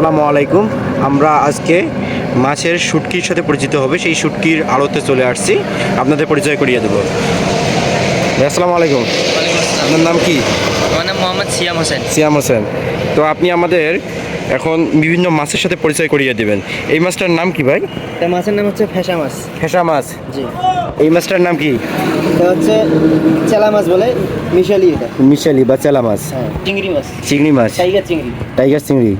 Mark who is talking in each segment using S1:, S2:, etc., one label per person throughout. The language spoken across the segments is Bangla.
S1: আসসালামু আলাইকুম। আমরা আজকে মাছের শুটকির সাথে পরিচিত হবে, সেই শুটকির আড়তে চলে আসছি, আপনাদের পরিচয় করিয়ে দেবো। আসসালামু আলাইকুম। আপনার নাম কি?
S2: আমার নাম মোহাম্মদ সিয়াম হোসেন।
S1: সিয়াম হোসেন। তো আপনি আমাদের এখন বিভিন্ন মাছের সাথে পরিচয় করিয়ে দেবেন। এই মাছটার নাম কি ভাই?
S2: এই মাছের নাম হচ্ছে ফেসা মাছ।
S1: ফেসা মাছ।
S2: জি,
S1: এই মাছটার নাম কি?
S2: এটা হচ্ছে চেলা মাছ বলে, মিশালি এটা।
S1: মিশালি বা চেলা মাছ।
S2: হ্যাঁ, চিংড়ি মাছ,
S1: চিংড়ি মাছ।
S2: টাইগার চিংড়ি।
S1: টাইগার চিংড়ি।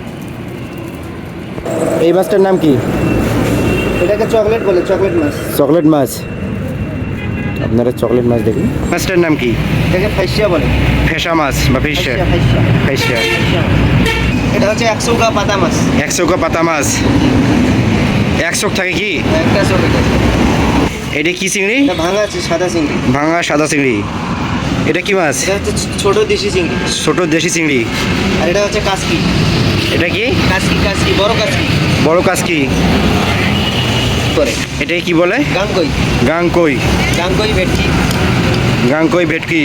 S1: এই মাছটার নাম কি?
S2: এটাকে চকলেট বলে, চকলেট মাছ।
S1: চকলেট মাছ। আপনারা চকলেট মাছ দেখুন। মাছটার নাম কি?
S2: এটাকে ফাইসিয়া বলে।
S1: ফেসা মাছ বা ফিশা।
S2: ফাইসিয়া,
S1: ফেসা।
S2: ফাইসিয়া মাছ। এটা হচ্ছে 100 পাতা মাছ।
S1: 100 পাতা মাছ। 100 থাকে কি?
S2: একটা চোখ এটা।
S1: এটা কি চিংড়ি?
S2: এটা ভাঙা আছে, সাদা চিংড়ি।
S1: ভাঙা সাদা চিংড়ি। এটা কি মাছ?
S2: এটা হচ্ছে ছোট দেশি চিংড়ি।
S1: ছোট দেশি চিংড়ি।
S2: আর এটা হচ্ছে কাসকি।
S1: এটা কি?
S2: কাসকি, কাসকি, বড় কাসকি
S1: বড় কাসকি।
S2: করে।
S1: এটাই কি বলে?
S2: গাঙ্গই।
S1: গাংকই।
S2: গাঙ্গই ভেটকি।
S1: গাংকই ভেটকি।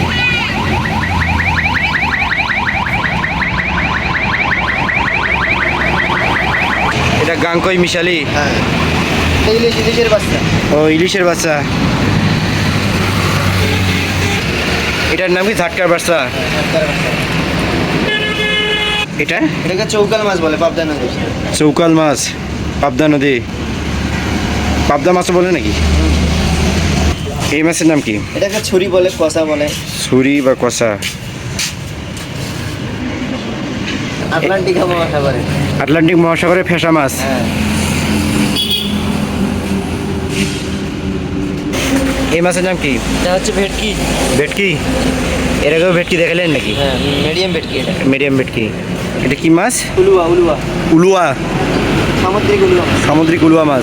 S1: এটা গাংকই মিশালি।
S2: হ্যাঁ, এটা ইলিশের বাচ্চা।
S1: ও ইলিশের বাচ্চা। এটার নাম কি? ঝাটকার বাচ্চা। এটা
S2: এটাকে চৌকাল মাছ বলে, পাবদা নদী।
S1: চৌকাল মাছ, পাবদা নদী। পাবদা মাছও বলে নাকি? এই মাছের নাম কি?
S2: এটাকে ছুরি বলে, কষা বলে।
S1: ছুরি বা কষা।
S2: আটলান্টিক মহাসাগরে।
S1: আটলান্টিক মহাসাগরে ফেসা মাছ।
S2: হ্যাঁ,
S1: এই মাছের নাম কি?
S2: এটা হচ্ছে ভেটকি।
S1: ভেটকি। এর আগেও ভেটকি দেখালেন নাকি?
S2: হ্যাঁ, মিডিয়াম ভেটকি এটা।
S1: মিডিয়াম ভেটকি। এটা কি মাছ?
S2: উলুয়া, উলুয়া,
S1: উলুয়া।
S2: সামুদ্রিক উলুয়া মাছ।
S1: সামুদ্রিক উলুয়া মাছ।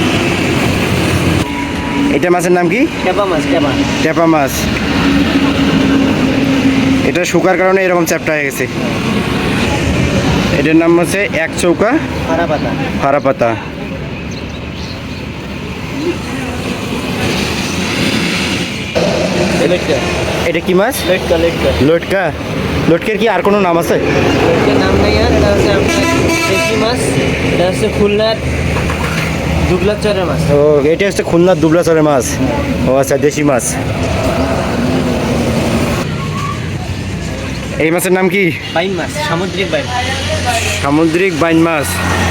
S1: এটা মাছের নাম কি?
S2: ক্যাপা মাছ, ক্যাপা।
S1: ট্যাপা মাছ। এটা শুকার কারণে এরকম চ্যাপ্টা হয়ে গেছে। এটার নাম হচ্ছে 100
S2: হারা পাতা।
S1: হারা পাতা।
S2: লেটকা।
S1: এটা কি মাছ?
S2: লেটকা, লেটকা।
S1: লটকা। লটকের কি আর কোনো নাম আছে?
S2: লেটকার নাম নেই আর। এটা হচ্ছে আপনার দেশি মাছ। এটা হচ্ছে খুলনার দুবলার চরের মাছ।
S1: ও এটা হচ্ছে খুলনার দুবলাচরের মাছ। ও আচ্ছা, দেশি মাছ। এই মাছের নাম কি?
S2: বাইম মাছ, সামুদ্রিক বাইম।
S1: সামুদ্রিক বাইন মাছ।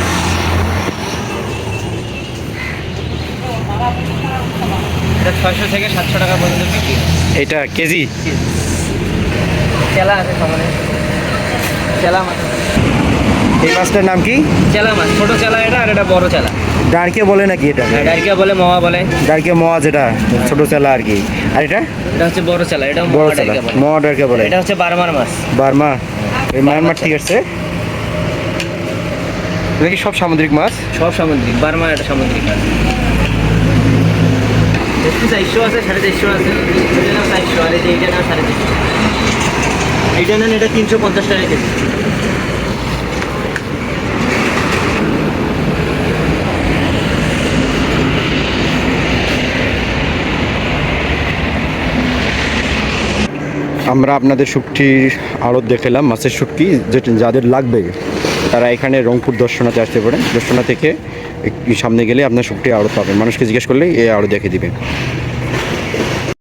S2: এটা 600 থেকে 700 টাকা পর্যন্ত বিক্রি।
S1: এটা কেজি?
S2: চেলা আছে সামনে, চেলা মাছ।
S1: এই মাছটার নাম কি?
S2: চেলা মাছ, ছোট চেলা এটা, আর এটা বড় চেলা।
S1: ডারকে বলে নাকি এটা?
S2: ডাইরিয়া বলে, মোয়া বলে।
S1: ডারকে মোয়া, যেটা ছোট চেলা আর কি। আর এটা
S2: এটা হচ্ছে বড় চেলা, এটা
S1: বড়
S2: মোয়া
S1: চেলা।
S2: ডাইরিয়া বলে।
S1: মোয়া ডারকে বলে।
S2: এটা হচ্ছে বার্মার মাছ।
S1: বার্মা। এই মায়ানমার ঠিক আছে। এটা কি সব সামুদ্রিক মাছ?
S2: সব সামুদ্রিক। বার্মা এটা সামুদ্রিক মাছ। একটু 400 আছে, 450 আছে। এটা নাম 400, আর এইটা নাম 350। এইটা নেন, এটা 350 টাকা কেজি।
S1: আমরা আপনাদের শুটকির আড়ত দেখালাম, মাছের শুটকি। যেটা যাদের লাগবে তারা এখানে রংপুর দর্শনাতে আসতে পারেন। দর্শনা থেকে একটু সামনে গেলে আপনার শুটকির আড়ত পাবেন। মানুষকে জিজ্ঞেস করলেই এই আড়ত দেখে দিবে।